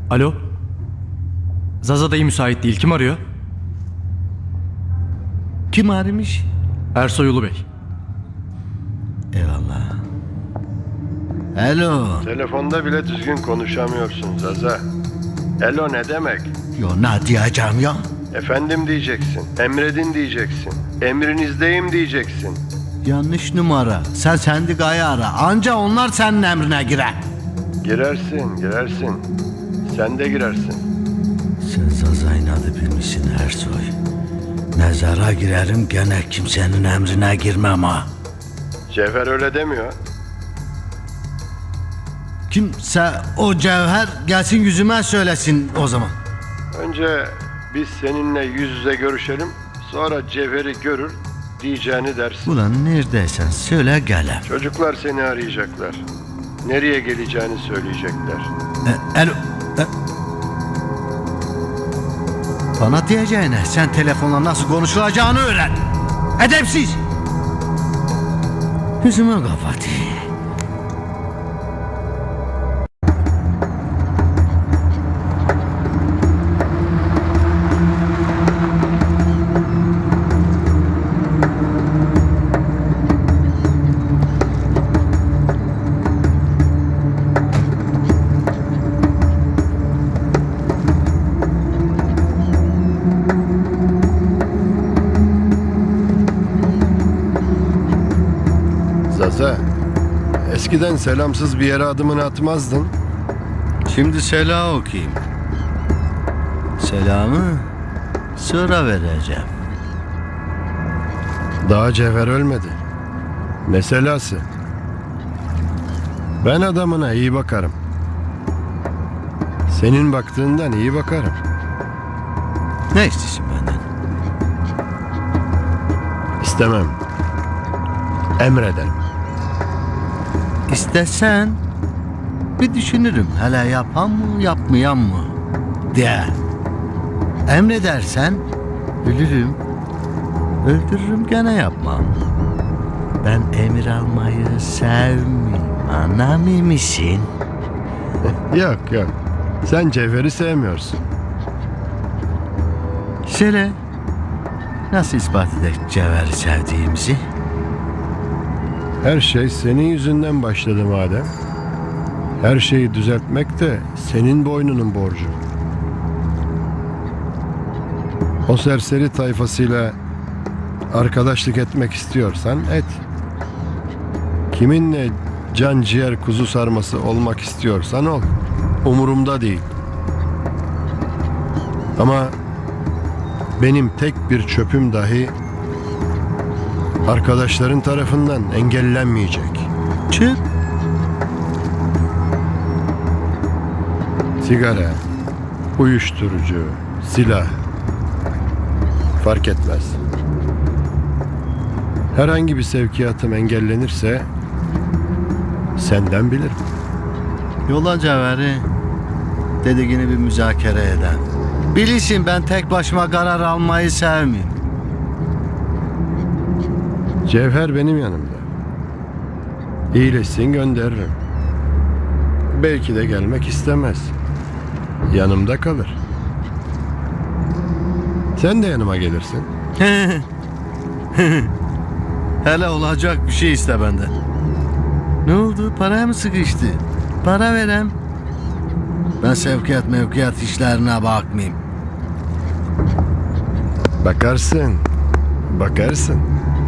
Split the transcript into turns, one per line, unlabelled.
Alo? Zaza dayı müsait değil. Kim arıyor?
Kim aramış?
Ersoy Ulu Bey.
Eyvallah. Alo.
Telefonda bile düzgün konuşamıyorsun Zaza. Elo ne demek?
Yo, ne diyeceğim ya?
Efendim diyeceksin. Emredin diyeceksin. Emrinizdeyim diyeceksin.
Yanlış numara. Sen sendikayı ara. Anca onlar senin emrine girer.
Girersin. Sen de girersin.
Sen Zaza'nın adı bilmişsin Ersoy. Mezara girerim gene kimsenin emrine girmem ha.
Cevher öyle demiyor.
Kimse o cevher gelsin yüzüme söylesin o zaman.
Önce biz seninle yüz yüze görüşelim. Sonra Cevher'i görür diyeceğini dersin.
Ulan neredeysen söyle gelem.
Çocuklar seni arayacaklar. Nereye geleceğini söyleyecekler.
Alo. Bana diyeceğine sen telefonla nasıl konuşulacağını öğren. Edepsiz. Yüzüme kapat.
Zaza, eskiden selamsız bir yere adımını atmazdın.
Şimdi selam okuyayım. Selamı sonra vereceğim.
Daha Cevher ölmedi. Meselası. Ben adamına iyi bakarım. Senin baktığından iyi bakarım.
Ne istiyorsun benden?
İstemem. Emrederim.
İstesen bir düşünürüm. Hele yapan mı yapmayan mı diye. Emredersen ölürüm. Öldürürüm gene yapmam. Ben emir almayı sevmiyorum. Anlamıyor musun?
Yok. Sen Cevher'i sevmiyorsun.
Söyle. Nasıl ispat edek Cevher'i sevdiğimizi?
Her şey senin yüzünden başladı madem. Her şeyi düzeltmek de senin boynunun borcu. O serseri tayfasıyla arkadaşlık etmek istiyorsan et. Kiminle can ciğer kuzu sarması olmak istiyorsan ol. Umurumda değil. Ama benim tek bir çöpüm dahi arkadaşların tarafından engellenmeyecek.
Çık.
Sigara, uyuşturucu, silah fark etmez. Herhangi bir sevkiyatım engellenirse senden bilirim.
Yola Cevher'i dediğini bir müzakere eden. Bilirsin ben tek başıma karar almayı sevmiyorum.
Cevher benim yanımda. İyileşsin gönderirim. Belki de gelmek istemez. Yanımda kalır. Sen de yanıma gelirsin.
Hele olacak bir şey iste benden. Ne oldu? Paraya mı sıkıştı? Para verem. Ben sevkiyat mevkiyat işlerine bakmayayım.
Bakarsın.